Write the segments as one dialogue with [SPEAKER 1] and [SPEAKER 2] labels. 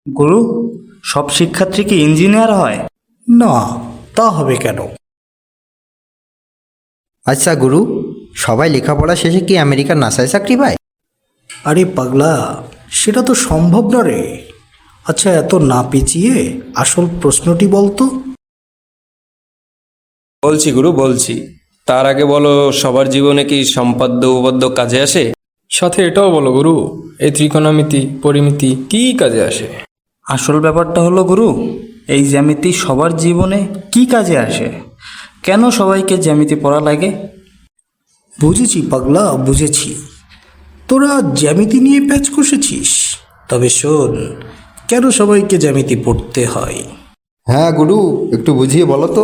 [SPEAKER 1] গুরু, সব শিক্ষার্থী কি ইঞ্জিনিয়ার হয়?
[SPEAKER 2] না, তা হবে কেন?
[SPEAKER 3] আচ্ছা গুরু, সবাই লেখাপড়া শেষে কি আমেরিকার নাসায় চাকরি পায়?
[SPEAKER 2] আরে পাগলা, সেটা তো সম্ভব না রে। আচ্ছা, এত না পেঁচিয়ে আসল প্রশ্নটি বলতো।
[SPEAKER 4] বলছি গুরু, বলছি। তার আগে বলো, সবার জীবনে কি সম্পাদ্য উপপাদ্য কাজে আসে?
[SPEAKER 5] সাথে এটাও বলো গুরু, এই ত্রিকোণমিতি পরিমিতি কি কাজে আসে?
[SPEAKER 1] আসল ব্যাপারটা হলো গুরু, এই জ্যামিতি সবার জীবনে কি কাজে আসে? কেন সবাইকে জ্যামিতি পড়া লাগে?
[SPEAKER 2] বুঝেছি পাগলা, বুঝেছি। তোরা জ্যামিতি নিয়ে প্যাচ কষেছিস। তবে শোন, কেন সবাইকে জ্যামিতি পড়তে হয়।
[SPEAKER 3] হ্যাঁ গুরু, একটু বুঝিয়ে বলো তো।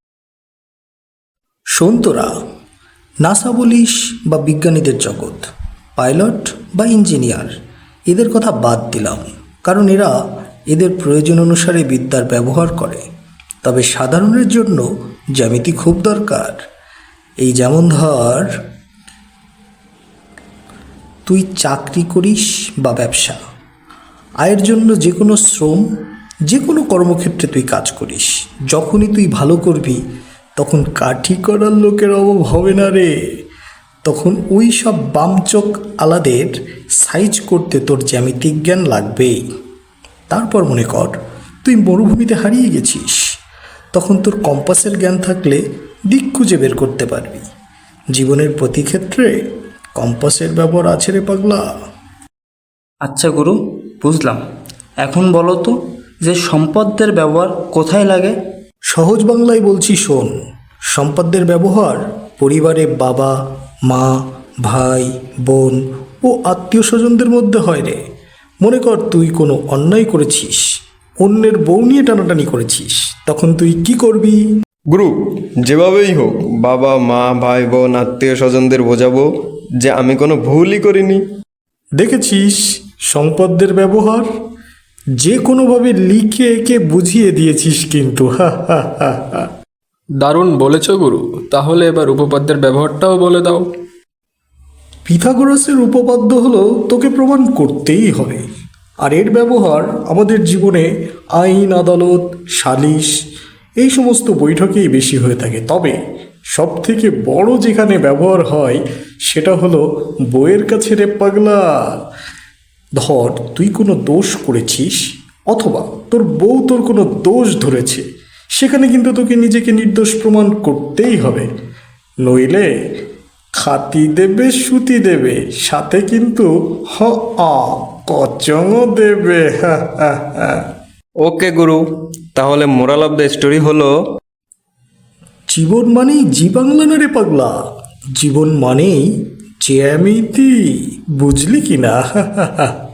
[SPEAKER 2] শোন তোরা, নাসা বলিস বা বিজ্ঞানীদের জগৎ, পাইলট বা ইঞ্জিনিয়ার, এদের কথা বাদ দিলাম, কারণ এরা এদের প্রয়োজন অনুসারে বিদ্যার ব্যবহার করে। তবে সাধারণের জন্য জ্যামিতি খুব দরকার। এই যেমন ধর, তুই চাকরি করিস বা ব্যবসা, আয়ের জন্য যে কোনো শ্রম, যে কোনো কর্মক্ষেত্রে তুই কাজ করিস, যখনই তুই ভালো করবি তখন কাঠি করার লোকের অভাব হবে না রে। তখন ওই সব বামচোখ আলাদের সাইজ করতে তোর জ্যামিতিক জ্ঞান লাগবেই। তারপর মনে কর, তুই মরুভূমিতে হারিয়ে গেছিস, তখন তোর কম্পাসের জ্ঞান থাকলে দিক খুঁজে বের করতে পারবি। জীবনের প্রতি ক্ষেত্রে কম্পাসের ব্যবহার আছে রে পাগলা।
[SPEAKER 1] আচ্ছা গুরু, বুঝলাম। এখন বলো তো যে সম্পদের ব্যবহার কোথায় লাগে?
[SPEAKER 2] সহজ বাংলায় বলছি, শোন। সম্পদের ব্যবহার পরিবারে বাবা, মা, ভাই, বোন ও আত্মীয় স্বজনদের মধ্যে হয় রে। মনে কর, তুই কোনো অন্যায় করেছিস, অন্যের বউ নিয়ে টানাটানি করেছিস, তখন তুই কি করবি?
[SPEAKER 4] গুরু, যেভাবেই হোক বাবা মা ভাই বোন আত্মীয় স্বজনদের বোঝাবো যে আমি কোনো ভুলই করিনি।
[SPEAKER 2] দেখেছিস সম্পদের ব্যবহার? যে কোনোভাবে লিখে একে বুঝিয়ে দিয়েছিস কিন্তু, হা হা হা হা।
[SPEAKER 5] দারুণ বলেছ গুরু, তাহলে এবার উপপাদ্যের ব্যবহারটাও বলে দাও।
[SPEAKER 2] পিথাগোরাসের উপপাদ্য হলো তোকে প্রমাণ করতেই হবে। আর এর ব্যবহার আমাদের জীবনে আইন আদালত, সালিশ, এই সমস্ত বৈঠকেই বেশি হয়ে থাকে। তবে সব থেকে বড় যেখানে ব্যবহার হয় সেটা হলো বইয়ের কাছে রে পাগলা। ধর, তুই কোনো দোষ করেছিস, অথবা তোর বউ তোর কোনো দোষ ধরেছে, সেখানে কিন্তু তোকে নিজেকে নির্দোষ প্রমাণ করতেই হবে। নইলে খাতি দেবে, সুতি দেবে, সাথে কিন্তু কচংও দেবে। হা হা হা।
[SPEAKER 4] ওকে গুরু, তাহলে মোরাল অফ দ্য স্টোরি হলো,
[SPEAKER 2] জীবন মানেই জি বাংলা না রে পাগলা, জীবন মানেই জ্যামিতি। বুঝলি কি না?